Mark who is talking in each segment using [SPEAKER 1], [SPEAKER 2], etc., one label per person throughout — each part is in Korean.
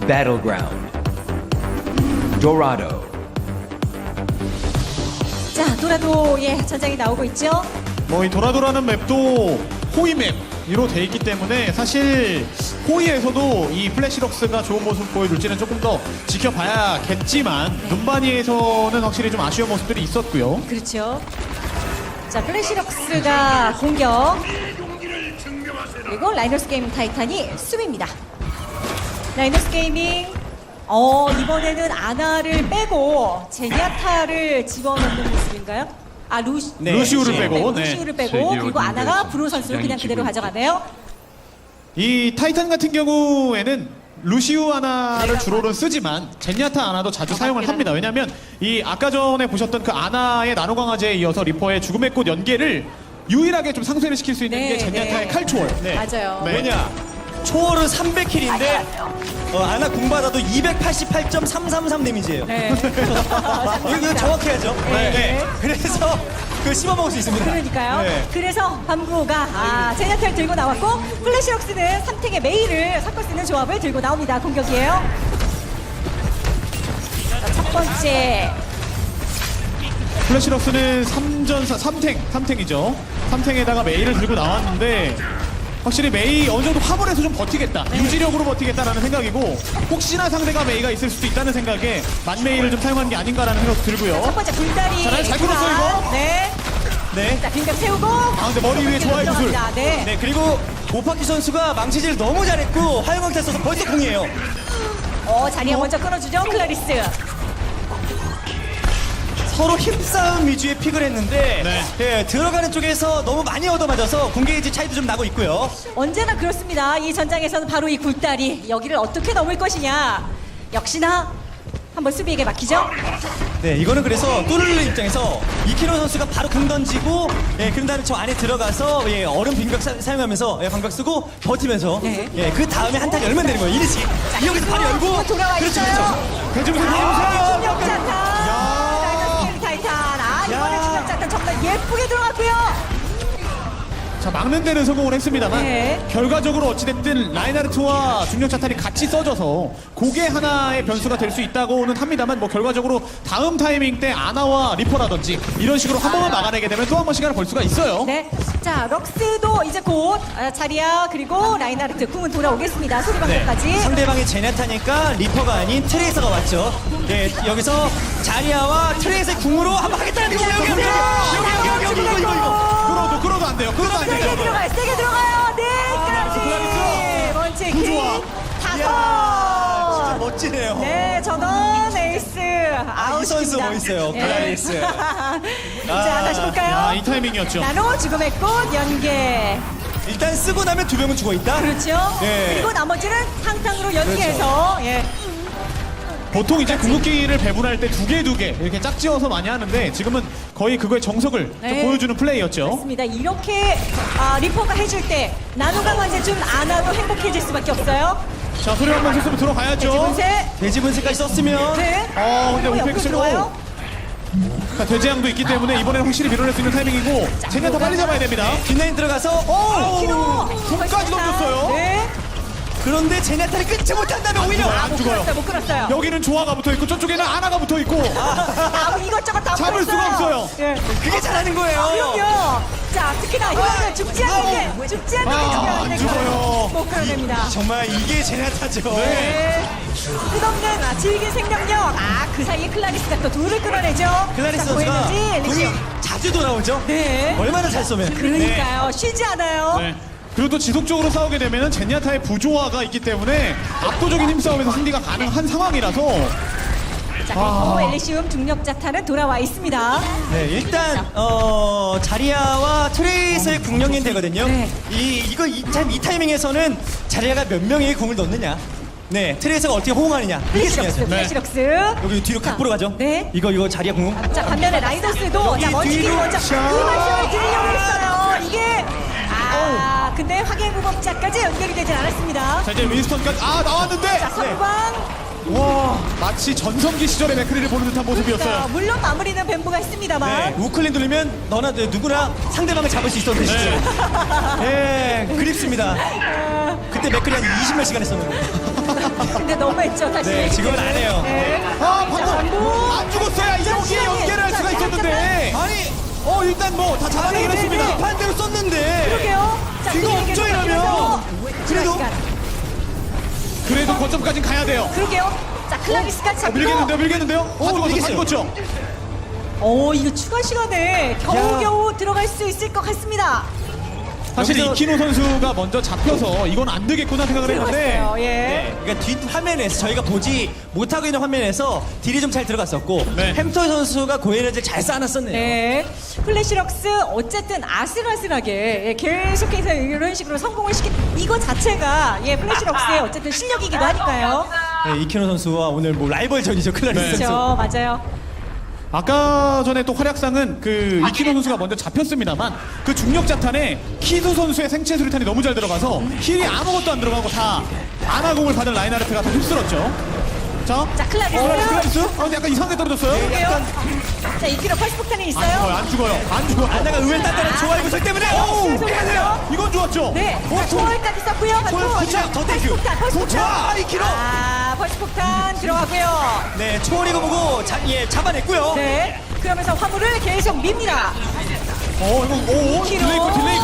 [SPEAKER 1] battleground. Dorado.
[SPEAKER 2] 자, 도라도의 전장이 나오고 있죠.
[SPEAKER 3] 뭐 이 도라도라는 맵도 호위 맵으로 돼 있기 때문에 사실 호위에서도 이 플래시럭스가 좋은 모습 보여줄지는 조금 더 지켜봐야겠지만 눈바니에서는 확실히 좀 아쉬운 모습들이 있었고요.
[SPEAKER 2] 그렇죠. 자, 플래시럭스가 공격. 그리고 라이너스 게이밍 타이탄이 수비입니다. 라이너스 게이밍 이번에는 아나를 빼고 제니아타를 집어넣는 모습인가요? 아,
[SPEAKER 3] 네. 루시우를 빼고, 네.
[SPEAKER 2] 루시우를 빼고 그리고 아나가 브로 선수를 그냥 그대로 가져가네요.
[SPEAKER 3] 이 타이탄 같은 경우에는 루시우 아나를 주로는 쓰지만 제니아타 아나도 자주 사용을 합니다. 왜냐하면 이 아까 전에 보셨던 그 아나의 나노강화제에 이어서 리퍼의 죽음의 꽃 연계를 유일하게 좀 상쇄를 시킬 수 있는
[SPEAKER 2] 네,
[SPEAKER 3] 게 제니아타의
[SPEAKER 2] 네.
[SPEAKER 3] 칼초월.
[SPEAKER 2] 맞아요.
[SPEAKER 3] 네.
[SPEAKER 4] 왜냐? 초월은 300킬인데 아나 공받아도 288.333 데미지예요.
[SPEAKER 2] 네.
[SPEAKER 4] 이거 정확해야죠.
[SPEAKER 2] 네.
[SPEAKER 4] 그래서 그 씹어먹을 수 있습니다.
[SPEAKER 2] 그러니까요.
[SPEAKER 4] 네.
[SPEAKER 2] 그래서 밤구가 제니아타를 들고 나왔고 플래시럭스는 3탱의 메이를 섞을 수 있는 조합을 들고 나옵니다. 공격이에요. 자, 첫 번째
[SPEAKER 3] 플래시럭스는 3탱이죠. 3탱에다가 메이를 들고 나왔는데 확실히 메이 어느 정도 화물에서 좀 버티겠다. 유지력으로 버티겠다라는 생각이고 혹시나 상대가 메이가 있을 수도 있다는 생각에 만메이를 좀 사용한 게 아닌가라는 생각도 들고요.
[SPEAKER 2] 첫 번째 불다리.
[SPEAKER 3] 잘 끌었어요, 이거.
[SPEAKER 2] 네.
[SPEAKER 4] 네.
[SPEAKER 2] 자, 빙벽 세우고.
[SPEAKER 3] 근데 머리 위에 좋아요, 구슬.
[SPEAKER 2] 들어갑니다. 네.
[SPEAKER 4] 네, 그리고 오파키 선수가 망치질 너무 잘했고 화영광 써서 벌써 공이에요.
[SPEAKER 2] 자리에 먼저 끊어주죠. 클라리스.
[SPEAKER 4] 서로 힘싸움 위주의 픽을 했는데
[SPEAKER 3] 네.
[SPEAKER 4] 예, 들어가는 쪽에서 너무 많이 얻어맞아서 공개지 차이도 좀 나고 있고요.
[SPEAKER 2] 언제나 그렇습니다. 이 전장에서는 바로 이 굴다리. 여기를 어떻게 넘을 것이냐. 역시나 한번 수비에게 맡기죠.
[SPEAKER 4] 네, 이거는 그래서 뚜르르 입장에서 이키노 선수가 바로 공 던지고 그런 다음에 저 안에 들어가서 얼음 빙벽 사용하면서 방벽 쓰고 버티면서
[SPEAKER 2] 네.
[SPEAKER 4] 그 다음에 한타 열면 되는 거예요. 이리지. 여기서 바로 열고
[SPEAKER 2] 돌아와
[SPEAKER 4] 그렇죠,
[SPEAKER 2] 있어요.
[SPEAKER 4] 그렇죠.
[SPEAKER 2] 중력자탄. 라이너스 타이탄. 이번에 중력자탄 정말 예쁘게 들어갔고요.
[SPEAKER 3] 자, 막는 데는 성공을 했습니다만
[SPEAKER 2] 네.
[SPEAKER 3] 결과적으로 어찌됐든 라인하르트와 중력자탄이 같이 써져서 그게 하나의 변수가 될 수 있다고는 합니다만 뭐 결과적으로 다음 타이밍 때 아나와 리퍼라든지 이런 식으로 한 번만 막아내게 되면 또 한 번 시간을 벌 수가 있어요.
[SPEAKER 2] 네. 자, 럭스도 이제 곧 자리야 그리고 라인하르트 궁은 돌아오겠습니다. 소리방법까지.
[SPEAKER 4] 상대방이 제네타니까 리퍼가 아닌 트레이서가 왔죠. 네, 여기서 자리아와 트레이서의 궁으로 한번 하겠다는 거 여기 이거.
[SPEAKER 3] 끌어도 안 돼요. 끌어도 안
[SPEAKER 2] 세게
[SPEAKER 3] 돼요.
[SPEAKER 2] 들어가요. 세게 들어가요. 네. 먼치 킬.
[SPEAKER 4] 진짜
[SPEAKER 2] 5.
[SPEAKER 4] 멋지네요.
[SPEAKER 2] 네, 전원 에이스.
[SPEAKER 4] 이 선수 멋있어요. 클라리스.
[SPEAKER 2] 자, 다시 볼까요?
[SPEAKER 3] 이 타이밍이었죠.
[SPEAKER 2] 나노 죽음의 꽃 연계.
[SPEAKER 4] 일단 쓰고 나면 두 명은 죽어 있다.
[SPEAKER 2] 그렇죠.
[SPEAKER 4] 네.
[SPEAKER 2] 그리고 나머지는 상탕으로 연계해서 예.
[SPEAKER 3] 보통 이제 궁극기를 배분할 때 두 개 이렇게 짝지어서 많이 하는데 지금은 거의 그거의 정석을 좀
[SPEAKER 2] 네.
[SPEAKER 3] 보여주는 플레이였죠.
[SPEAKER 2] 맞습니다. 이렇게 리퍼가 해줄 때 나노강 완제 좀 안 하고 행복해질 수밖에 없어요.
[SPEAKER 3] 자, 소리 한번 쳤으면 들어가야죠.
[SPEAKER 2] 지분세.
[SPEAKER 4] 돼지 분쇄까지 썼으면
[SPEAKER 2] 네.
[SPEAKER 3] 근데
[SPEAKER 2] 그리고 옆으로
[SPEAKER 3] 오펙스로
[SPEAKER 2] 들어와요.
[SPEAKER 3] 자, 돼지양도 있기 때문에 이번에는 확실히 밀어낼 수 있는 타이밍이고 제니아타 빨리 잡아야 됩니다.
[SPEAKER 4] 뒷라인 들어가서
[SPEAKER 2] 키로.
[SPEAKER 3] 손까지 던졌어요.
[SPEAKER 2] 네.
[SPEAKER 4] 그런데 제네타를 끊지 못한다면 오히려
[SPEAKER 3] 안 죽어요.
[SPEAKER 2] 끌었어요. 못 끌었어요.
[SPEAKER 3] 여기는 조화가 붙어있고 저쪽에는 아나가 붙어있고
[SPEAKER 2] 이것저것 다
[SPEAKER 3] 잡을 수가
[SPEAKER 2] 끌었어요.
[SPEAKER 3] 없어요.
[SPEAKER 2] 예.
[SPEAKER 4] 그게 잘하는 거예요.
[SPEAKER 2] 그럼요. 자, 특히나 이거는 죽지 않는 게 죽지 않는 게 중요한데
[SPEAKER 3] 안 죽어요.
[SPEAKER 2] 못 끌어냅니다.
[SPEAKER 4] 정말 이게 제네타죠.
[SPEAKER 2] 네. 끝없는 질긴 생명력. 그 사이에 클라리스가 또 둘을 끌어내죠.
[SPEAKER 4] 클라리스
[SPEAKER 2] 자,
[SPEAKER 4] 선수가
[SPEAKER 2] 보이는지
[SPEAKER 4] 궁이
[SPEAKER 2] 리시.
[SPEAKER 4] 자주 돌아오죠.
[SPEAKER 2] 네.
[SPEAKER 4] 얼마나 잘 쏘면.
[SPEAKER 2] 그러니까요. 쉬지 않아요.
[SPEAKER 3] 네. 그리고 또 지속적으로 싸우게 되면 제니아타의 부조화가 있기 때문에 압도적인 힘싸움에서 승리가 가능한 상황이라서
[SPEAKER 2] 자, 그리고 엘리시움 중력자탄은 돌아와 있습니다.
[SPEAKER 4] 네, 일단 자리아와 트레이서의 궁령인 되거든요.
[SPEAKER 2] 네.
[SPEAKER 4] 이 타이밍에서는 자리아가 몇 명의 궁을 넣느냐. 네, 트레이서가 어떻게 호응하느냐. 이게
[SPEAKER 2] 플래시럭스,
[SPEAKER 4] 중요하죠.
[SPEAKER 2] 플래시럭스.
[SPEAKER 4] 여기 뒤로 각보로 가죠.
[SPEAKER 2] 네.
[SPEAKER 4] 이거 자리아 궁.
[SPEAKER 2] 자, 반면에 라이더스도
[SPEAKER 4] 여기
[SPEAKER 2] 자, 먼치기
[SPEAKER 4] 뒤로
[SPEAKER 2] 먼저
[SPEAKER 4] 샤.
[SPEAKER 2] 그만심을 드리려고 했어요. 이게 근데 확인 무법자까지 연결이 되진 않았습니다.
[SPEAKER 3] 자, 이제 윈스턴까지 나왔는데
[SPEAKER 2] 자, 선방
[SPEAKER 3] 마치 전성기 시절의 맥크리를 보는 듯한 모습이었어요.
[SPEAKER 2] 그러니까 물론 마무리는 뱀부가 했습니다만.
[SPEAKER 4] 네, 우클린 돌리면 너나 누구나 상대방을 잡을 수 있었던 시절. 예, 그립습니다. 그때 맥클이 한 20몇 시간 했었는데.
[SPEAKER 2] 근데 너무했죠 다시.
[SPEAKER 4] 네, 지금은 안 해요.
[SPEAKER 2] 네.
[SPEAKER 3] 방금 안 죽었어야 이영기에 연계를 할 수가 있었는데.
[SPEAKER 4] 아니,
[SPEAKER 3] 일단 뭐 다 잡아내긴 했습니다.
[SPEAKER 4] 반대로 썼는데.
[SPEAKER 2] 그러게요. 자,
[SPEAKER 4] 이거
[SPEAKER 2] 뒤에게
[SPEAKER 4] 없죠, 이러면.
[SPEAKER 2] 돌아가면서
[SPEAKER 4] 그래도-
[SPEAKER 2] 시간.
[SPEAKER 3] 그래도 거점까지 가야 돼요.
[SPEAKER 2] 그러게요. 자, 클라리스까지 잡고.
[SPEAKER 3] 밀겠는데요? 다 죽었어, 다
[SPEAKER 4] 밀겠어요.
[SPEAKER 3] 죽었죠?
[SPEAKER 2] 이거 추가 시간에 겨우겨우 들어갈 수 있을 것 같습니다.
[SPEAKER 3] 사실
[SPEAKER 4] 여기서-
[SPEAKER 3] 이키노 선수가 먼저 잡혀서 이건 안 되겠구나 생각을 했는데
[SPEAKER 2] 들어갔어요. 예.
[SPEAKER 4] 네, 그러니까 뒷 화면에서 저희가 보지 못하고 있는 화면에서 딜이 좀 잘 들어갔었고
[SPEAKER 3] 네.
[SPEAKER 4] 햄터 선수가 고에너지를 잘 쌓아놨었네요.
[SPEAKER 2] 네. 플래시럭스 어쨌든 아슬아슬하게 계속해서 이런 식으로 성공을 시킨 이거 자체가 플래시럭스의 어쨌든 실력이기도 하니까요.
[SPEAKER 4] 네, 이키노 선수와 오늘 뭐 라이벌전이죠, 클라리스
[SPEAKER 3] 네.
[SPEAKER 4] 선수.
[SPEAKER 2] 그렇죠. 맞아요.
[SPEAKER 3] 아까 전에 또 활약상은 그 이키노 선수가 먼저 잡혔습니다만 그 중력 자탄에 키수 선수의 생체 수류탄이 너무 잘 들어가서 힐이 아무것도 안 들어가고 다 아나공을 받은 라인하르트가 더 휩쓸었죠. 자,
[SPEAKER 2] 자, 클라리스.
[SPEAKER 3] 클라리스? 근데 약간 이상하게 떨어졌어요.
[SPEAKER 2] 볼게요. 자, 2kg 펄스 폭탄이
[SPEAKER 3] 안
[SPEAKER 2] 있어요.
[SPEAKER 3] 죽어요, 안 죽어요, 안 죽어요.
[SPEAKER 4] 안다가 의외 단단한 조화의 구설 때문에
[SPEAKER 3] 이건 좋았죠?
[SPEAKER 2] 네. 자, 초월까지 썼고요.
[SPEAKER 4] 도착, 더 땡큐.
[SPEAKER 2] 펄스
[SPEAKER 4] 도착,
[SPEAKER 2] 폭탄.
[SPEAKER 4] 2kg.
[SPEAKER 2] 펄스 폭탄 들어가고요.
[SPEAKER 4] 네, 초월이고 뭐고 잡아냈고요.
[SPEAKER 2] 네. 그러면서 화물을 계속 밉니다.
[SPEAKER 3] 이거, 딜레이커.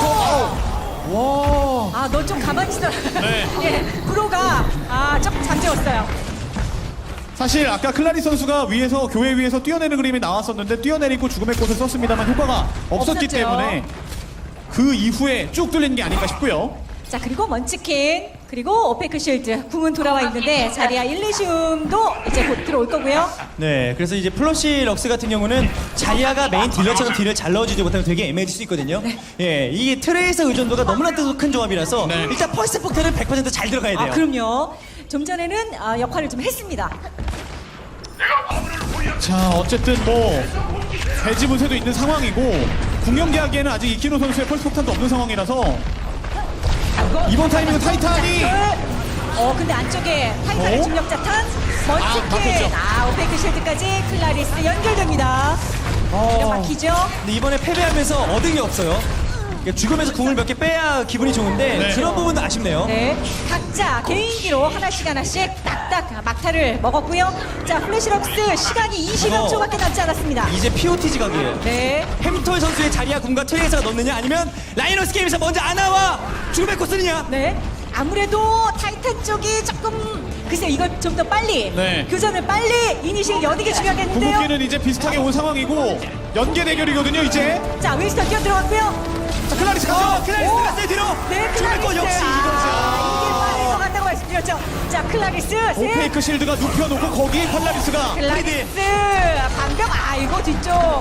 [SPEAKER 2] 아, 너 좀 가만히 있어라.
[SPEAKER 3] 네.
[SPEAKER 2] 예, 프로가 조금 잠재웠어요.
[SPEAKER 3] 사실 아까 클라리 선수가 위에서 교회 위에서 뛰어내는 그림이 나왔었는데 뛰어내리고 죽음의 꽃을 썼습니다만 효과가 없었기
[SPEAKER 2] 없었죠.
[SPEAKER 3] 때문에 그 이후에 쭉 뚫린 게 아닌가 싶고요.
[SPEAKER 2] 자, 그리고 먼치킨, 그리고 오페크 쉴드, 궁은 돌아와 있는데 자리아 일리시움도 이제 곧 들어올 거고요.
[SPEAKER 4] 네, 그래서 이제 플러시 럭스 같은 경우는 자리아가 메인 딜러처럼 딜을 잘 넣어주지 못하면 되게 애매해질 수 있거든요. 예, 이 트레이서 의존도가 너무나 큰 조합이라서
[SPEAKER 3] 네.
[SPEAKER 4] 일단 펄스 폭탄은 100% 잘 들어가야 돼요.
[SPEAKER 2] 그럼요. 좀 전에는 역할을 좀 했습니다.
[SPEAKER 3] 자, 어쨌든 뭐 배지 분쇄도 있는 상황이고 궁연계하기에는 아직 이키노 선수의 펄스 폭탄도 없는 상황이라서 이번 타이밍은 타이탄이
[SPEAKER 2] 근데 안쪽에 타이탄의
[SPEAKER 3] 어?
[SPEAKER 2] 중력 자탄, 먼치킨,
[SPEAKER 3] 막혔죠.
[SPEAKER 2] 오페크 쉴드까지 클라리스 연결됩니다. 이거 막히죠?
[SPEAKER 4] 근데 이번에 패배하면서 얻은 게 없어요. 그러니까 죽으면서 궁을 몇 개 빼야 기분이 좋은데
[SPEAKER 3] 네.
[SPEAKER 4] 그런 부분도 아쉽네요.
[SPEAKER 2] 네, 각자 개인기로 하나씩 딱딱 막타를 먹었고요. 자, 플래시럭스 시간이 20여 초밖에 남지 않았습니다.
[SPEAKER 4] 이제 POT 지각이에요.
[SPEAKER 2] 네,
[SPEAKER 4] 햄털 선수의 자리아 궁과 트레이서가 넣느냐 아니면 라이너스 게임에서 먼저 아나와 죽음의 꽃 쓰느냐.
[SPEAKER 2] 네. 아무래도 타이탄 쪽이 조금 글쎄 이걸 좀 더 빨리
[SPEAKER 3] 네.
[SPEAKER 2] 교전을 빨리 이니시를 여는 게 중요하겠는데요.
[SPEAKER 3] 궁극기는 이제 비슷하게 온 상황이고 연계 대결이거든요 이제.
[SPEAKER 2] 자, 윈스턴 뛰어 들어갔고요.
[SPEAKER 3] 자, 클라리스 가죠.
[SPEAKER 4] 클라리스 갔어요 뒤로.
[SPEAKER 2] 네,
[SPEAKER 4] 죽음의 꽃
[SPEAKER 2] 클라리스.
[SPEAKER 4] 역시 이거죠.
[SPEAKER 2] 이게 빠를 것 같다고 말씀드렸죠. 자, 클라리스 셋.
[SPEAKER 3] 오페이크 실드가 눕혀놓고 거기 펄라리스가
[SPEAKER 2] 클라리스 방금 이거 뒤쪽.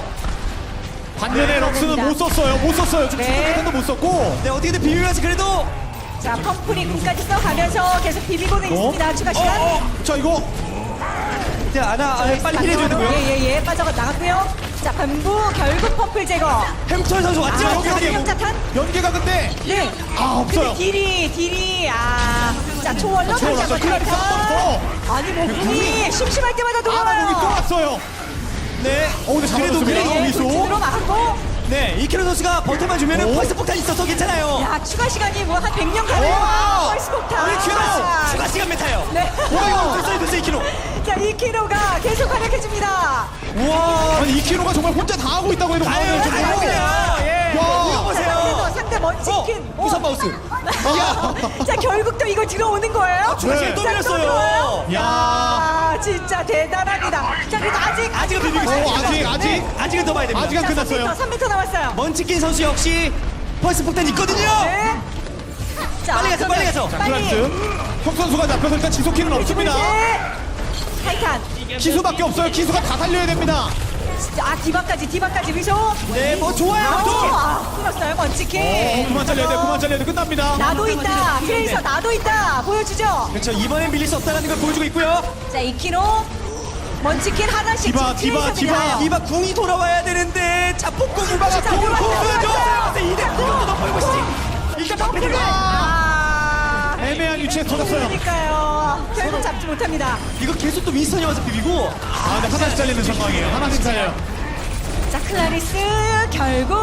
[SPEAKER 3] 반면에 럭스는 못 썼어요. 못 썼어요. 지금
[SPEAKER 2] 네.
[SPEAKER 3] 중력탄도 못 썼고.
[SPEAKER 4] 네, 어떻게든 비비면서 그래도
[SPEAKER 2] 자, 펌프리 궁까지 써가면서 계속 비비고는 있습니다. 추가 시간.
[SPEAKER 3] 자, 이거
[SPEAKER 4] 이제 아나 빨리 힐해줘야 되고요.
[SPEAKER 2] 예, 빠져가 나갔고요. 자, 반부 결국 펌플 제거.
[SPEAKER 4] 햄털 선수 왔죠?
[SPEAKER 3] 여기
[SPEAKER 2] 여기
[SPEAKER 3] 여기
[SPEAKER 2] 자탄.
[SPEAKER 3] 연계가 근데
[SPEAKER 2] 네.
[SPEAKER 3] 없어요.
[SPEAKER 2] 근데 딜이 자, 초월로
[SPEAKER 3] 초월
[SPEAKER 2] 다시
[SPEAKER 3] 왔어요.
[SPEAKER 2] 한번
[SPEAKER 3] 클라리스 한번
[SPEAKER 2] 아니 뭐 궁이 심심할 때마다
[SPEAKER 3] 공이 또
[SPEAKER 2] 돌아와요.
[SPEAKER 3] 왔어요.
[SPEAKER 4] 네.
[SPEAKER 3] 근데 잡아줬습니다.
[SPEAKER 2] 예,
[SPEAKER 3] 미소.
[SPEAKER 2] 돌진으로 막았고.
[SPEAKER 4] 네, 이키노 선수가 버텨만 주면은
[SPEAKER 3] 오.
[SPEAKER 4] 펄스 폭탄 있어서 괜찮아요.
[SPEAKER 2] 야, 추가 시간이 뭐 한 100년 가네요.
[SPEAKER 3] 와.
[SPEAKER 2] 펄스 폭탄.
[SPEAKER 4] 우리 큐노 추가 시간 메타요.
[SPEAKER 2] 네.
[SPEAKER 4] 됐어요, 이키노.
[SPEAKER 2] 자, 2kg가 계속 활약해줍니다.
[SPEAKER 4] 우와.
[SPEAKER 3] 아니 2kg가 정말 혼자 다 하고 있다고 해도
[SPEAKER 4] 아유,
[SPEAKER 3] 과언이
[SPEAKER 4] 아유,
[SPEAKER 3] 아니죠.
[SPEAKER 2] 예.
[SPEAKER 3] 와.
[SPEAKER 4] 이거 보세요.
[SPEAKER 2] 상대 먼치킨.
[SPEAKER 4] 우선 마우스.
[SPEAKER 2] 자, 결국 또 이거 들어오는 거예요?
[SPEAKER 4] 추가 시간 또
[SPEAKER 2] 자,
[SPEAKER 4] 밀었어요.
[SPEAKER 2] 들어와요?
[SPEAKER 3] 야.
[SPEAKER 2] 야, 진짜 대단합니다. 자, 그래도
[SPEAKER 4] 아직은 비비고 있어요. 아직은 더 봐야 됩니다.
[SPEAKER 3] 아직 안 끝났어요.
[SPEAKER 2] 3m 남았어요.
[SPEAKER 4] 먼치킨 선수 역시 펄스 폭탄 있거든요.
[SPEAKER 2] 네. 자,
[SPEAKER 4] 빨리 가서, 빨리 가서.
[SPEAKER 3] 자, 클라리스. 형 선수가 잡혀서 일단 지속키는 없습니다.
[SPEAKER 2] 타이탄.
[SPEAKER 3] 기수밖에 없어요. 기수가 다 살려야 됩니다.
[SPEAKER 2] 디바까지 미소.
[SPEAKER 4] 네, 뭐 좋아요. 또.
[SPEAKER 2] 끊었어요, 먼치킨.
[SPEAKER 3] 그만 잘려야 돼. 끝납니다.
[SPEAKER 2] 나도 있다. 트레이서 나도 있다. 보여주죠.
[SPEAKER 4] 그렇죠. 이번엔 밀릴 수 없다는 걸 보여주고 있고요.
[SPEAKER 2] 자, 2kg. 먼치킨 하나씩.
[SPEAKER 3] 디바,
[SPEAKER 2] 지금
[SPEAKER 3] 디바,
[SPEAKER 2] 트레이서 밀어요.
[SPEAKER 4] 이바 궁이 돌아와야 되는데 자폭궁 이바가
[SPEAKER 2] 자,
[SPEAKER 4] 궁을
[SPEAKER 2] 들어왔어요.
[SPEAKER 4] 보여줘. 이대 궁도 더 보이고 싶지. 일단
[SPEAKER 2] 덩크를.
[SPEAKER 4] 방패를.
[SPEAKER 3] 애매하게 위치에서 터졌어요.
[SPEAKER 2] 그러니까요. 결국 잡지 못합니다.
[SPEAKER 4] 이거 계속 또 윈스턴이 와서 비비고
[SPEAKER 3] 아, 근데 하나씩 잘리는 상황이에요. 하나씩 잘려요.
[SPEAKER 2] 자, 클라리스 결국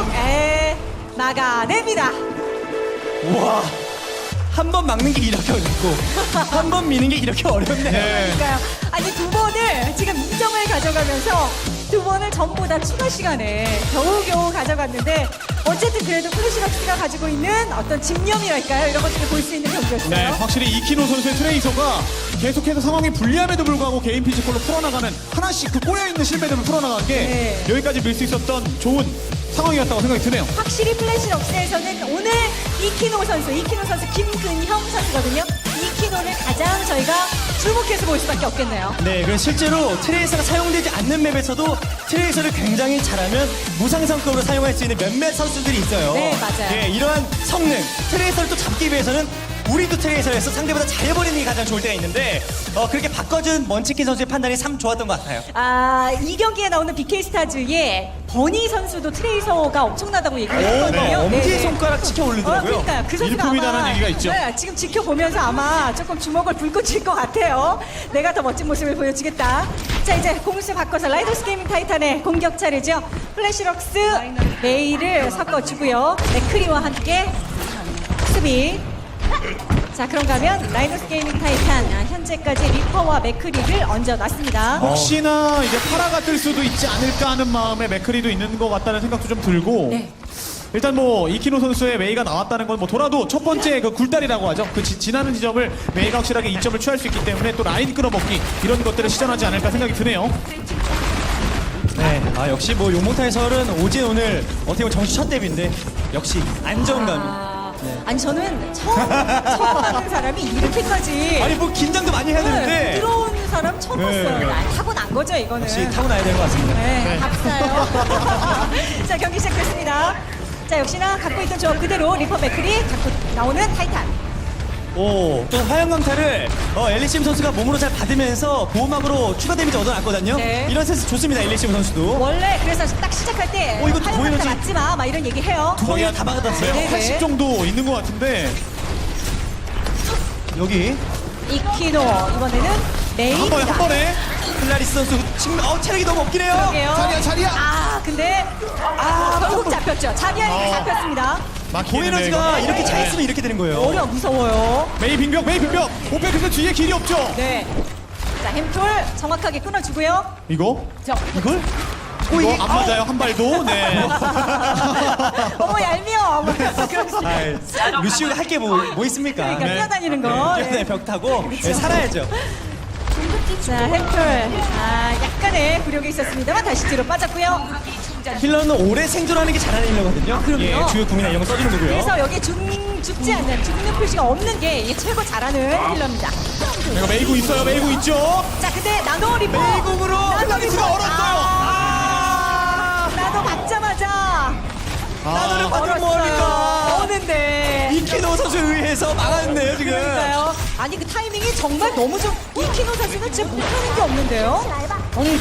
[SPEAKER 2] 막아냅니다.
[SPEAKER 4] 우와 한 번 막는 게 이렇게 어렵고 한 번 미는 게 이렇게 어렵네.
[SPEAKER 3] 네.
[SPEAKER 2] 그러니까요. 아니 두 번을 지금 2점을 가져가면서 두 번을 전부 다 추가 시간에 겨우겨우 가져갔는데 어쨌든 그래도 플래시럭스가 가지고 있는 어떤 집념이랄까요? 이런 것들을 볼 수 있는 경기였어요.
[SPEAKER 3] 네, 확실히 이키노 선수의 트레이서가 계속해서 상황이 불리함에도 불구하고 개인 피지컬로 풀어나가는 하나씩 그 꼬여있는 실패들을 풀어나간 게
[SPEAKER 2] 네.
[SPEAKER 3] 여기까지 밀 수 있었던 좋은 상황이었다고 생각이 드네요.
[SPEAKER 2] 확실히 플래시럭스에서는 오늘 이키노 선수 김근형 선수거든요. 이키노를 가장 저희가 주목해서 볼 수밖에 없겠네요.
[SPEAKER 4] 네, 그래서 실제로 트레이서가 사용되지 않는 맵에서도 트레이서를 굉장히 잘하면 무상성급으로 사용할 수 있는 몇몇 선수들이 있어요.
[SPEAKER 2] 네, 맞아요.
[SPEAKER 4] 네, 이러한 성능, 트레이서를 또 잡기 위해서는 우리도 트레이서에서 상대보다 잘해버리는 게 가장 좋을 때가 있는데 그렇게 바꿔준 먼치킨 선수의 판단이 참 좋았던 것 같아요.
[SPEAKER 2] 이 경기에 나오는 BK 스타즈의 버니 선수도 트레이서가 엄청나다고 얘기를 했거든요.
[SPEAKER 3] 네,
[SPEAKER 4] 엄지손가락 치켜 올리더라고요.
[SPEAKER 2] 그러니까요. 그 선수가
[SPEAKER 3] 일품이다라는
[SPEAKER 2] 아마
[SPEAKER 3] 얘기가 있죠.
[SPEAKER 2] 네, 지금 지켜보면서 아마 조금 주먹을 불고 칠 것 같아요. 내가 더 멋진 모습을 보여주겠다. 자, 이제 공수 바꿔서 라이더스 게이밍 타이탄의 공격 차례죠. 플래시럭스 메이를 섞어주고요. 맥크리와 함께 수비. 자, 그런가 하면 라이더스 게이밍 타이탄 현재까지 리퍼와 맥크리를 얹어놨습니다.
[SPEAKER 3] 혹시나 이제 파라가 뜰 수도 있지 않을까 하는 마음에 맥크리도 있는 것 같다는 생각도 좀 들고
[SPEAKER 2] 네.
[SPEAKER 3] 일단 뭐 이키노 선수의 메이가 나왔다는 건 뭐 돌아도 첫 번째 그 굴다리라고 하죠. 그 지나는 지점을 메이가 확실하게 이점을 취할 수 있기 때문에 또 라인 끌어먹기 이런 것들을 시전하지 않을까 생각이 드네요.
[SPEAKER 4] 네, 역시 뭐 용몽타 해설은 오진 오늘 어떻게 보면 정시 첫 데뷔인데 역시 안정감이.
[SPEAKER 2] 아니 저는 처음 하는 사람이 이렇게까지
[SPEAKER 4] 아니 뭐 긴장도 많이 해야 되는데
[SPEAKER 2] 들어온 사람 처음
[SPEAKER 4] 네.
[SPEAKER 2] 봤어요. 타고난 거죠 이거는.
[SPEAKER 4] 역시 타고나야 되는 것 같습니다.
[SPEAKER 2] 네, 합사요. 자, 경기 시작됐습니다. 자, 역시나 갖고 있던 조합 그대로 리퍼 맥크리 갖고 나오는 타이탄.
[SPEAKER 4] 오, 또 화양강타를 엘리시움 선수가 몸으로 잘 받으면서 보호막으로 추가 데미지 얻어놨거든요.
[SPEAKER 2] 네.
[SPEAKER 4] 이런 센스 좋습니다, 엘리시움 선수도.
[SPEAKER 2] 원래 그래서 딱 시작할 때
[SPEAKER 4] 이거
[SPEAKER 2] 화염
[SPEAKER 4] 보이는지-
[SPEAKER 2] 맞지 마, 막 이런 얘기 해요.
[SPEAKER 4] 거기가 다 막아놨어요.
[SPEAKER 2] 네.
[SPEAKER 3] 80 정도 있는 것 같은데
[SPEAKER 4] 여기
[SPEAKER 2] 이키노 이번에는
[SPEAKER 3] 한
[SPEAKER 2] 메이입니다.
[SPEAKER 3] 번에
[SPEAKER 4] 클라리스 선수 체력이 너무 없긴 해요.
[SPEAKER 2] 그러게요.
[SPEAKER 3] 자리야.
[SPEAKER 2] 근데 결국 잡혔죠. 자기한테 잡혔습니다.
[SPEAKER 4] 고에너지가 이렇게 차 있으면 이렇게 되는 거예요.
[SPEAKER 2] 어려 무서워요.
[SPEAKER 3] 메이 빙벽 오페크스 뒤에 길이 없죠.
[SPEAKER 2] 네. 자, 햄톨 정확하게 끊어주고요.
[SPEAKER 3] 이거
[SPEAKER 2] 이걸?
[SPEAKER 3] 이거 안 맞아요 한 발도. 네.
[SPEAKER 2] 어머 얄미워.
[SPEAKER 4] 루시우가 할 게 뭐 있습니까?
[SPEAKER 2] 그러니까
[SPEAKER 3] 네.
[SPEAKER 2] 뛰어다니는 거.
[SPEAKER 4] 네, 벽 타고 살아야죠.
[SPEAKER 2] 자, 햄톨. 약간의 굴욕이 있었습니다만 다시 뒤로 빠졌고요.
[SPEAKER 4] 힐러는 오래 생존하는 게 잘하는 힐러거든요.
[SPEAKER 2] 그럼요.
[SPEAKER 4] 예, 주요 궁이나 이런 거 써주는 거고요.
[SPEAKER 2] 그래서 여기 죽지 않는 죽는 표시가 없는 게 이게 최고 잘하는 힐러입니다.
[SPEAKER 3] 이거 메이구 있어요. 메이구 있죠.
[SPEAKER 2] 자, 근데 나노 리퍼.
[SPEAKER 4] 메이공으로 클라리스가 얼었어요.
[SPEAKER 2] 나노 받자마자
[SPEAKER 4] 나노를 받으면
[SPEAKER 2] 얼었어요.
[SPEAKER 4] 뭐합니까?
[SPEAKER 2] 오는데.
[SPEAKER 4] 이키노 선수에 의해서 막았네요, 지금.
[SPEAKER 2] 그러니까요. 아니 그 타이밍이 정말 너무 좀 이키노 선수는 진짜 못하는 게 없는데요. 아니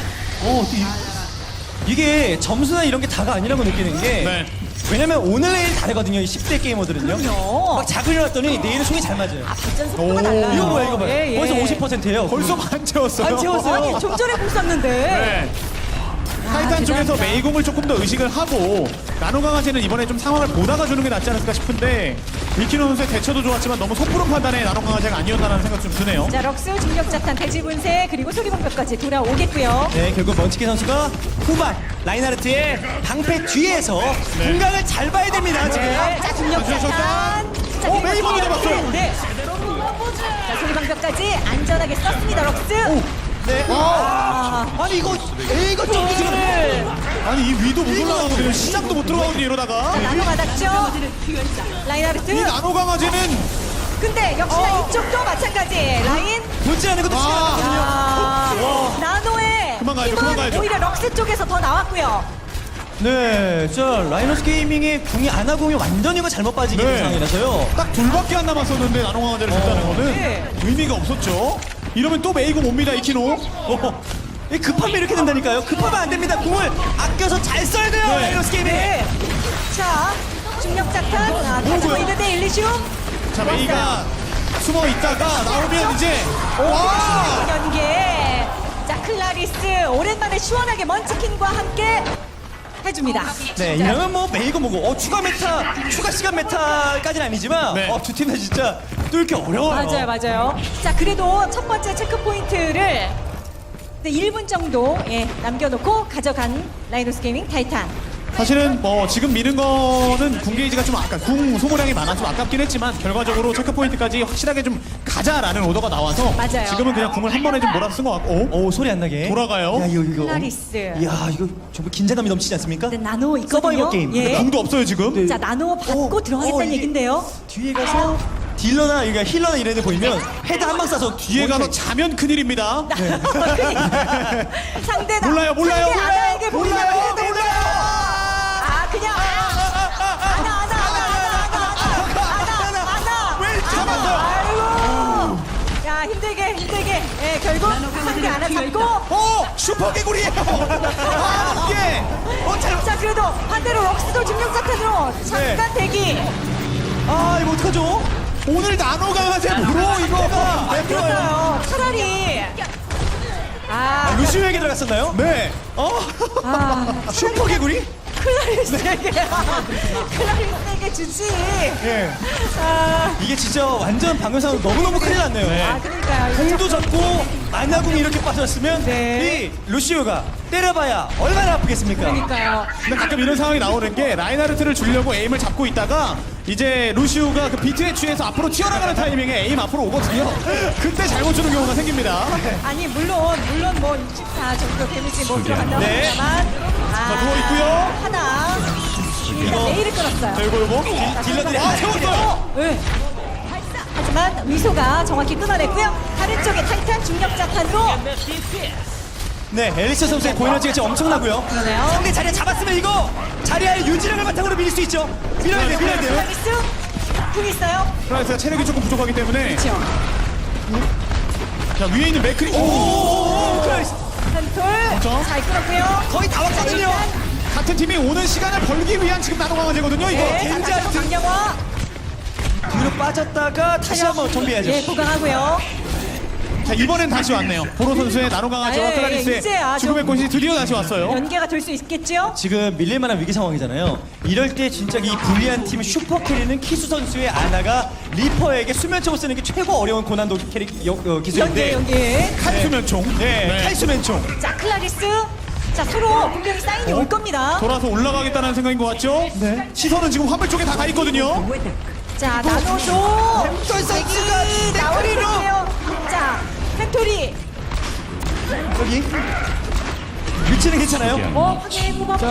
[SPEAKER 4] 이게 점수나 이런 게 다가 아니라고 느끼는 게
[SPEAKER 3] 네.
[SPEAKER 4] 왜냐면 오늘 내일 다르거든요, 이 10대 게이머들은요.
[SPEAKER 2] 그럼요.
[SPEAKER 4] 막 자고 일어났더니 내일은 총이 잘 맞아요.
[SPEAKER 2] 발전 속도가
[SPEAKER 3] 오.
[SPEAKER 2] 달라요.
[SPEAKER 4] 이거 뭐야, 이거 봐요.
[SPEAKER 2] 예, 예.
[SPEAKER 4] 벌써 50%예요.
[SPEAKER 3] 벌써 안 채웠어요.
[SPEAKER 4] 안 채웠어요.
[SPEAKER 2] 아니 좀 전에 공 쐈는데.
[SPEAKER 3] 네. 타이탄 쪽에서
[SPEAKER 2] 대단하다.
[SPEAKER 3] 메이공을 조금 더 의식을 하고 나노 강아지는 이번에 좀 상황을 보다가 주는 게 낫지 않을까 싶은데 이키노 선수의 대처도 좋았지만 너무 섣부른 판단에 나노 강아지가 아니었다는 생각 좀 드네요.
[SPEAKER 2] 자, 럭스 중력자탄 대지분쇄 그리고 소리방벽까지 돌아오겠고요.
[SPEAKER 4] 네, 결국 먼치킨 선수가 후반 라인하르트의 방패 뒤에서 공간을 잘 봐야 됩니다, 지금.
[SPEAKER 2] 네, 자, 중력자탄. 자, 그리고
[SPEAKER 3] 메이 먼저
[SPEAKER 2] 소리방벽.
[SPEAKER 3] 잡았어요.
[SPEAKER 2] 네. 자, 소리방벽까지 안전하게 썼습니다, 럭스.
[SPEAKER 4] 네. 아니 이거 좀 지금
[SPEAKER 3] 아니 이 위도 못 올라가거든요. 시작도 못 들어가거든요 이러다가.
[SPEAKER 2] 자, 나노 받았죠. 라인하르트.
[SPEAKER 3] 이 나노 강아지는
[SPEAKER 2] 근데 역시나 이쪽도 마찬가지. 라인.
[SPEAKER 4] 본질 않는 것도 시간 나거든요.
[SPEAKER 2] 나노의
[SPEAKER 3] 그만 가야죠,
[SPEAKER 2] 힘은
[SPEAKER 3] 그만 가야죠.
[SPEAKER 2] 오히려 럭스 쪽에서 더 나왔고요.
[SPEAKER 4] 네, 저 라이너스 게이밍의 궁이 아나궁이 완전히 이거 잘못 빠지게 된
[SPEAKER 3] 네.
[SPEAKER 4] 상황이라서요.
[SPEAKER 3] 딱 둘밖에 안 남았었는데 나노 강아지를 줬다는 거는
[SPEAKER 2] 네.
[SPEAKER 3] 의미가 없었죠. 이러면 또 메이공 옵니다 이키노.
[SPEAKER 4] 이 급하면 이렇게 된다니까요. 급하면 안 됩니다. 공을 아껴서 잘 써야 돼요,
[SPEAKER 3] 네.
[SPEAKER 4] 라이너스 게이밍.
[SPEAKER 2] 네. 자, 중력자탄 가지고
[SPEAKER 3] 뭐고요?
[SPEAKER 2] 있는데 일리시움.
[SPEAKER 3] 자 메이가 숨어 있다가 나오면 이제 와!
[SPEAKER 2] 연계. 자, 클라리스 오랜만에 시원하게 먼치킨과 함께 해줍니다.
[SPEAKER 4] 네,
[SPEAKER 2] 자,
[SPEAKER 4] 이러면 뭐 메이고 뭐고 추가 메타, 추가 시간 메타까지는 아니지만
[SPEAKER 3] 네.
[SPEAKER 4] 두 팀 다 진짜 뚫기 어려워요.
[SPEAKER 2] 맞아요. 자, 그래도 첫 번째 체크 포인트를 1분 정도 남겨놓고 가져간 라이노스 게이밍 타이탄.
[SPEAKER 3] 사실은 뭐 지금 미는 거는 궁 게이지가 좀 아까 궁 소모량이 많아서 좀 아깝긴 했지만 결과적으로 체크 포인트까지 확실하게 좀 가자라는 오더가 나와서
[SPEAKER 2] 맞아요.
[SPEAKER 3] 지금은 그냥 궁을 한 번에 좀 몰아서 쓴 것 같고
[SPEAKER 4] 오, 소리 안 나게.
[SPEAKER 3] 돌아가요.
[SPEAKER 4] 야, 이거.
[SPEAKER 2] 클라리스.
[SPEAKER 4] 이야, 이거 정말 긴장감이 넘치지 않습니까?
[SPEAKER 2] 근데 나노 있거든요.
[SPEAKER 4] 서바이벌 게임.
[SPEAKER 2] 예.
[SPEAKER 3] 궁도 없어요 지금.
[SPEAKER 2] 자, 나노 받고 들어가겠다는
[SPEAKER 4] 이게
[SPEAKER 2] 얘긴데요.
[SPEAKER 4] 뒤에 가서 딜러나 이게 힐러나 이런 애 보이면 헤드 한 방 쏴서
[SPEAKER 3] 뒤에 가서 자면 큰일입니다.
[SPEAKER 2] 상대
[SPEAKER 3] 몰라요.
[SPEAKER 2] 상대 아나에게 보이면
[SPEAKER 3] 몰라요.
[SPEAKER 2] 아, 그냥 아나.
[SPEAKER 3] 왜 잡았어요?
[SPEAKER 2] 아이고. 야, 힘들게. 예, 결국 상대 아나 잡고.
[SPEAKER 3] 슈퍼 개구리예요. 아, 이게
[SPEAKER 2] 자, 그래도 반대로 럭스도 중력사탄으로 잠깐 대기.
[SPEAKER 4] 아, 이거 어떡하죠?
[SPEAKER 3] 오늘 나노 강화제 무로 이거 네,
[SPEAKER 2] 그렇어요. 차라리. 아,
[SPEAKER 4] 루시오에게 들어갔었나요?
[SPEAKER 3] 네.
[SPEAKER 4] 슈퍼 개구리?
[SPEAKER 2] 클라리스에게 주지.
[SPEAKER 3] 예.
[SPEAKER 2] 아,
[SPEAKER 4] 이게 진짜 완전 방금 상황 너무너무 큰일 났네요.
[SPEAKER 2] 그러니까요.
[SPEAKER 4] 공도 잡고 만나궁이 이렇게 빠졌으면
[SPEAKER 2] 네.
[SPEAKER 4] 이 루시오가 때려봐야 얼마나 아프겠습니까?
[SPEAKER 2] 그러니까요.
[SPEAKER 3] 근데 가끔 이런 상황이 나오는 게 라인하르트를 주려고 에임을 잡고 있다가 이제 루시우가 그 비트에 취해서 앞으로 튀어나가는 타이밍에 에임 앞으로 오거든요. 그때 잘못 주는 경우가 생깁니다.
[SPEAKER 2] 아니, 물론 뭐 64 정도 데미지 뭐 들어간다고
[SPEAKER 4] 네.
[SPEAKER 2] 합니다만.
[SPEAKER 3] 자, 누워있고요.
[SPEAKER 2] 하나. 일단 메일을 끊었어요.
[SPEAKER 3] 자, 이거.
[SPEAKER 4] 딜러들이
[SPEAKER 3] 세웠어요.
[SPEAKER 2] 네. 하지만 위소가 정확히 끊어냈고요. 다른 쪽에 타이탄 중력자탄으로.
[SPEAKER 4] 네, 엘리스 선수의 고에너지가 진짜 엄청나고요.
[SPEAKER 2] 그러네요.
[SPEAKER 4] 상대 자리에 잡았으면 이거 자리의 유지력을 바탕으로 밀릴 수 있죠. 밀어야 돼요.
[SPEAKER 2] 클라리스 궁 있어요.
[SPEAKER 3] 프라이스가 체력이 조금 부족하기 때문에
[SPEAKER 2] 그렇죠.
[SPEAKER 3] 자, 위에 있는 맥크리.
[SPEAKER 4] 오, 클라리스.
[SPEAKER 2] 한톨
[SPEAKER 3] 그렇죠.
[SPEAKER 2] 잘 끌었고요.
[SPEAKER 4] 거의 다 왔거든요.
[SPEAKER 3] 같은 팀이 오는 시간을 벌기 위한 지금 나노 강화제거든요. 이거.
[SPEAKER 2] 네,
[SPEAKER 4] 굉장히
[SPEAKER 2] 자, 강영화.
[SPEAKER 4] 뒤로 빠졌다가 다시 한번 정비해야죠.
[SPEAKER 2] 예, 보강하고요.
[SPEAKER 3] 자, 이번엔 다시 왔네요. 보로 선수의 나노 강화제와
[SPEAKER 2] 네,
[SPEAKER 3] 클라리스의
[SPEAKER 2] 이제야
[SPEAKER 3] 죽음의
[SPEAKER 2] 좀-
[SPEAKER 3] 꽃이 드디어 다시 왔어요.
[SPEAKER 2] 연계가 될 수 있겠죠?
[SPEAKER 4] 지금 밀릴 만한 위기 상황이잖아요. 이럴 때 진짜 이 불리한 팀 슈퍼 캐리는 키수 선수의 아나가 리퍼에게 수면총을 쓰는 게 최고 어려운 고난도 캐리 기술인데
[SPEAKER 2] 연계.
[SPEAKER 3] 칼수면총.
[SPEAKER 4] 네, 칼수면총.
[SPEAKER 2] 자, 클라리스. 자, 서로 분명히 사인이 올 겁니다.
[SPEAKER 3] 돌아서 올라가겠다는 생각인 것 같죠? 네. 시선은 지금 화물 쪽에 다 가 있거든요.
[SPEAKER 2] 자, 나노도
[SPEAKER 4] 선수가
[SPEAKER 2] 나오리로. 자, 펜토리.
[SPEAKER 4] 여기 위치는 괜찮아요.
[SPEAKER 2] 확인 무법자.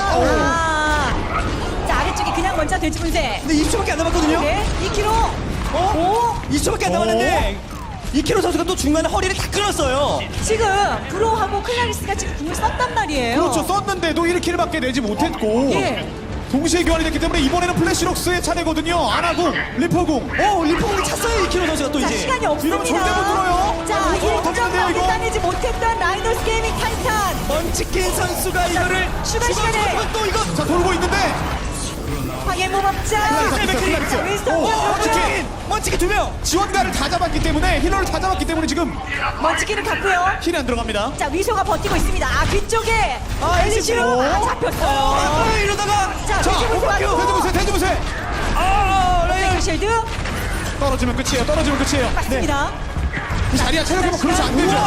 [SPEAKER 3] 자,
[SPEAKER 2] 자, 아래쪽에 그냥 먼저 돼지 분쇄.
[SPEAKER 4] 근데 20초밖에 안 남았거든요.
[SPEAKER 2] 네, 2kg.
[SPEAKER 4] 어? 20초밖에 안 남았는데 이키로 선수가 또 중간에 허리를 다 끊었어요.
[SPEAKER 2] 지금 브로하고 클라리스가 지금 궁을 썼단 말이에요.
[SPEAKER 3] 그렇죠. 썼는데도 1킬밖에 내지 못했고
[SPEAKER 2] 예.
[SPEAKER 3] 동시에 교환이 됐기 때문에 이번에는 플래시록스의 차례거든요. 아나궁, 리퍼궁.
[SPEAKER 4] 리포공이 찼어요. 이키로 선수가 또
[SPEAKER 2] 자,
[SPEAKER 4] 이제.
[SPEAKER 2] 시간이 없습니다.
[SPEAKER 3] 이러면 절대 못 들어요.
[SPEAKER 2] 자,
[SPEAKER 3] 이거
[SPEAKER 2] 1점
[SPEAKER 3] 어떡하는데요, 이거?
[SPEAKER 2] 따내지 못했던 라이너스 게이밍 타이탄.
[SPEAKER 4] 먼치킨 선수가 이거를
[SPEAKER 2] 추가 시간에.
[SPEAKER 4] 또 이거
[SPEAKER 3] 자, 돌고 있는데
[SPEAKER 2] 황해 무법자.
[SPEAKER 3] 클라리스.
[SPEAKER 2] 자, 윈스턴
[SPEAKER 3] 오,
[SPEAKER 2] 먼치킨.
[SPEAKER 4] 먼치킨 2명.
[SPEAKER 3] 지원가를 다 잡았기 때문에 힐러를 다 잡았기 때문에 지금
[SPEAKER 2] 먼치킨을 갔고요.
[SPEAKER 3] 힐이 안 들어갑니다.
[SPEAKER 2] 자, 위소가 버티고 있습니다. 뒤쪽에 엘리시로 잡혔어요.
[SPEAKER 4] 이러다가
[SPEAKER 2] 자, 돼지분쇄 맞고.
[SPEAKER 3] 대지무새, 대지무새.
[SPEAKER 2] 백실드
[SPEAKER 3] 떨어지면 끝이에요. 떨어지면 끝이에요.
[SPEAKER 2] 맞습니다.
[SPEAKER 3] 그 자리야 체력이 뭐 그러지 안 되죠.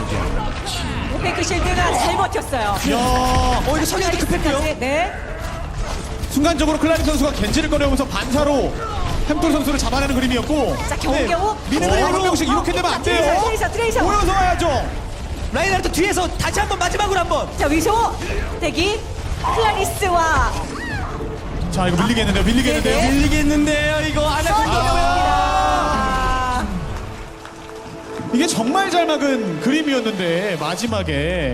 [SPEAKER 2] 백실드가 잘 버텼어요.
[SPEAKER 3] 이야,
[SPEAKER 4] 이거 성향도 급했고요.
[SPEAKER 2] 네.
[SPEAKER 3] 순간적으로 클라리 선수가 겐지를 꺼내면서 반사로 햄톨 선수를 잡아내는 그림이었고
[SPEAKER 2] 자, 겨우겨우.
[SPEAKER 3] 미는 그림 한 명씩 이렇게 되면 안 돼요.
[SPEAKER 2] 트레이서.
[SPEAKER 3] 모여서 와야죠.
[SPEAKER 4] 라인하르트 뒤에서 다시 한번 마지막으로 한번.
[SPEAKER 2] 자, 위소 대기. 클라리스와
[SPEAKER 3] 자, 이거 밀리겠는데요. 밀리겠는데요.
[SPEAKER 2] 네.
[SPEAKER 4] 밀리겠는데요. 이거 안
[SPEAKER 2] 써니
[SPEAKER 4] 하고.
[SPEAKER 2] 보입니다.
[SPEAKER 3] 이게 정말 잘 막은 그림이었는데 마지막에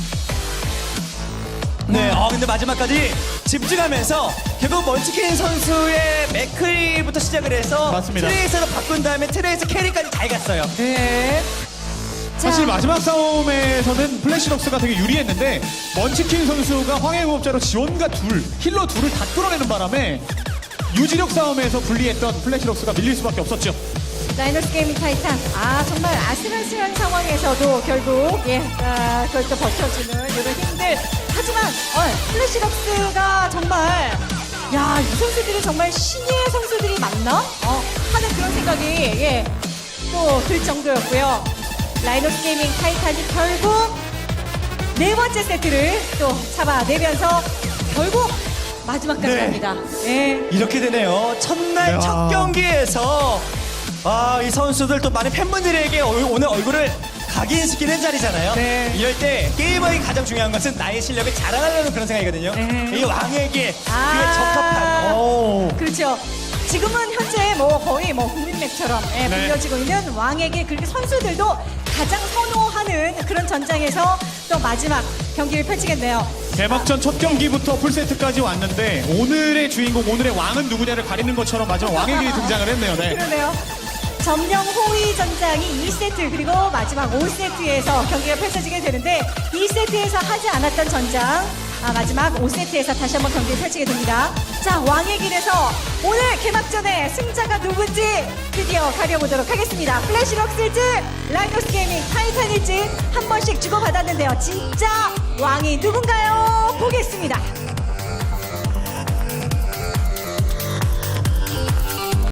[SPEAKER 4] 네, 근데 마지막까지 집중하면서 결국 먼치킨 선수의 맥크리부터 시작을 해서
[SPEAKER 3] 맞습니다.
[SPEAKER 4] 트레이서로 바꾼 다음에 트레이서 캐리까지 잘 갔어요.
[SPEAKER 2] 네. 자,
[SPEAKER 3] 사실 마지막 싸움에서는 플래시록스가 되게 유리했는데 먼치킨 선수가 황해무법자로 지원가 힐러 둘을 다 끌어내는 바람에 유지력 싸움에서 불리했던 플래시록스가 밀릴 수밖에 없었죠.
[SPEAKER 2] 라이너스 게이밍 타이탄. 정말 아슬아슬한 상황에서도 결국, 그걸 또 버텨주는 이런 힘들. 하지만, 플래시럭스가 정말, 이 선수들이 정말 신예의 선수들이 맞나? 하는 그런 생각이, 또 들 정도였고요. 라이너스 게이밍 타이탄이 결국 네 번째 세트를 또 잡아내면서 결국 마지막까지
[SPEAKER 4] 네.
[SPEAKER 2] 갑니다. 예.
[SPEAKER 4] 이렇게 되네요. 첫날
[SPEAKER 3] 야.
[SPEAKER 4] 첫 경기에서 이 선수들 또 많은 팬분들에게 오늘 얼굴을 각인시키는 자리잖아요.
[SPEAKER 2] 네.
[SPEAKER 4] 이럴 때 게이머의 가장 중요한 것은 나의 실력을 자랑하려는 그런 생각이거든요.
[SPEAKER 2] 네.
[SPEAKER 4] 이 왕에게 그에 적합한.
[SPEAKER 2] 그렇죠. 지금은 현재 거의 국민맥처럼 불려지고 있는 왕에게 그렇게 선수들도 가장 선호하는 그런 전장에서 또 마지막 경기를 펼치겠네요.
[SPEAKER 3] 개막전 첫 경기부터 풀세트까지 왔는데 오늘의 주인공, 오늘의 왕은 누구냐를 가리는 것처럼 마지막 왕의 길이 등장을 했네요. 네.
[SPEAKER 2] 그러네요. 점령 호위 전장이 2세트 그리고 마지막 5세트에서 경기가 펼쳐지게 되는데 2세트에서 하지 않았던 전장 마지막 5세트에서 다시 한번 경기를 펼치게 됩니다. 자, 왕의 길에서 오늘 개막전의 승자가 누군지 드디어 가려보도록 하겠습니다. 플래시럭스일지 라이너스 게이밍 타이탄일지 한 번씩 주고받았는데요. 진짜 왕이 누군가요? 보겠습니다.